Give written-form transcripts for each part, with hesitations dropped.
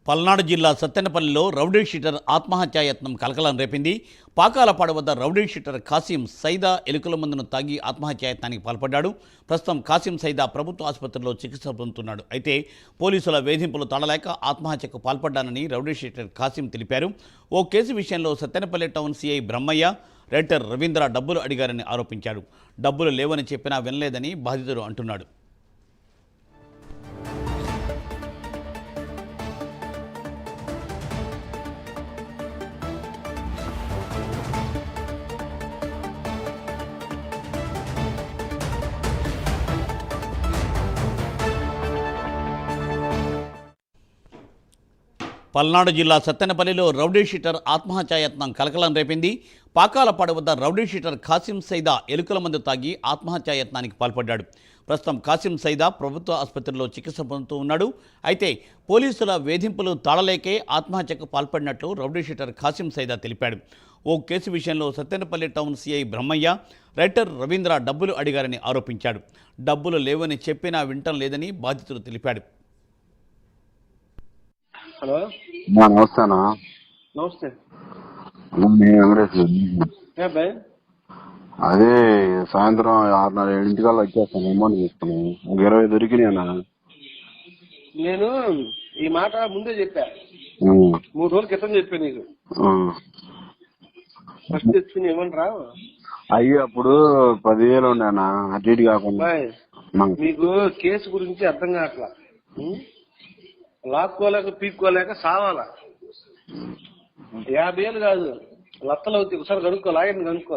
పల్నాడు జిల్లా సత్తెనపల్లిలో rowdy sheeter ఆత్మహత్యాయత్నం కలకలం రేపింది. పాకాలపాడు వద్ద రౌడీ షీటర్ కాసిం సైదా ఎలుకల మందును తాగి ఆత్మహత్యాయత్నానికి పాల్పడ్డాడు. ప్రస్తుతం కాసిం సైదా ప్రభుత్వ ఆసుపత్రిలో చికిత్స పొందుతున్నాడు. అయితే పోలీసుల వేధింపులు తడలేక ఆత్మహత్యకు పాల్పడ్డానని రౌడీ షీటర్ కాసిం తెలిపారు. ఓ కేసు విషయంలో Sattenapalli town CI Brahmayya, writer Ravindra డబ్బులు అడిగారని ఆరోపించాడు. డబ్బులు లేవని చెప్పినా వినలేదని బాధితుడు అంటున్నాడు. పల్నాడు జిల్లా సత్తెనపల్లిలో రౌడీ షీటర్ ఆత్మహత్యాయత్నం కలకలం రేపింది. పాకాలపాడు వద్ద రౌడీ షీటర్ కాసిం సైదా ఎలుకల మందు తాగి ఆత్మహత్యాయత్నానికి పాల్పడ్డాడు. ప్రస్తుతం కాసిం సైదా ప్రభుత్వ ఆసుపత్రిలో చికిత్స పొందుతూ ఉన్నాడు. అయితే పోలీసుల వేధింపులు తాళలేకే ఆత్మహత్యకు పాల్పడినట్లు రౌడీ షీటర్ కాసిం సైదా తెలిపాడు. ఓ కేసు విషయంలో Sattenapalli town CI Brahmayya, writer Ravindra డబ్బులు అడిగారని ఆరోపించాడు. డబ్బులు లేవని చెప్పినా వింటం లేదని బాధితుడు తెలిపాడు. హలో నమస్తేనా. నమస్తే. వెంకటేష్. అదే సాయంత్రం 6:30-7 వచ్చేస్తాను. అమౌంట్ తీసుకున్నాను. ఒక 20 దొరికినాయనా? నేను ఈ మాట ముందే చెప్పా, 3 రోజుల క్రితం చెప్పా నీకు. ఫస్ట్ తెచ్చుకుని ఏమనరా అయ్యి అప్పుడు 10,000 ఉండేనా, అటు ఇటు కాకుండా. మీకు కేసు గురించి అర్థం కావట్లా. లాక్కోలేక పీక్కోలేక సావాలా. 50,000 కాదు, లత్తలు అవుతాయి. ఒకసారి కనుక్కో, లాగండి కనుక్కో.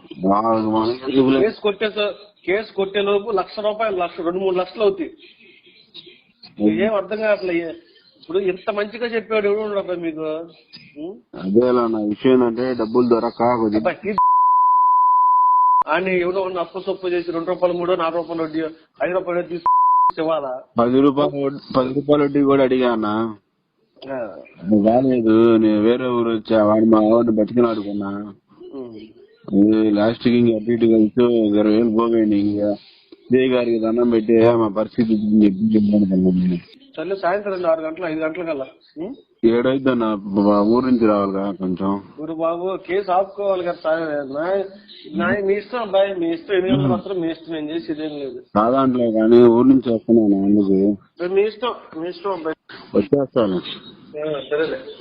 కేసు కొట్టే లోపు ₹1,00,000, 2-3 లక్షలు అవుతాయి. ఏం అర్థం కావట్లే. ఇప్పుడు ఇంత మంచిగా చెప్పాడు ఎవడు ఉండదు మీకు. అదేలా నా విషయం ఏంటంటే డబ్బులు దొరక అని ఎవడో అప్పు సొప్పు చేసి ₹2, ₹3, ₹4 వడ్డీ, ₹5 వడ్డీ ఇవ్వాలా? 10 రూపాయల వడ్డీ కూడా అడిగానా, రాలేదు. నేను వేరే ఊరు వచ్చా, వాడు మా వాడిని బతికిన ఆడుకున్నా. లాస్ట్ కి ఇంకా అటు ఇటు కలిసి 20,000 పోగండి. ఇంకా ఇదే గారికి దండం పెట్టి మా పరిస్థితి చెప్పి సరే సాయంత్రం 6 గంటలు 5 గంటల కల్లా 7 అయిద్దన్న. ఊరు నుంచి రావాలిగా కొంచెం. ఊరు బాబు కేసు ఆపుకోవాలి కదా. మీ ఇష్టం అబ్బాయి, మీ ఇష్టం. 800 మాత్రం మీ ఇష్టం. నేను చేసేది ఏం లేదు. కాదంటలే కానీ ఊరు నుంచి వస్తున్నాను. అందుకు మీ ఇష్టం అబ్బాయి. వచ్చేస్తాను. సరేలే.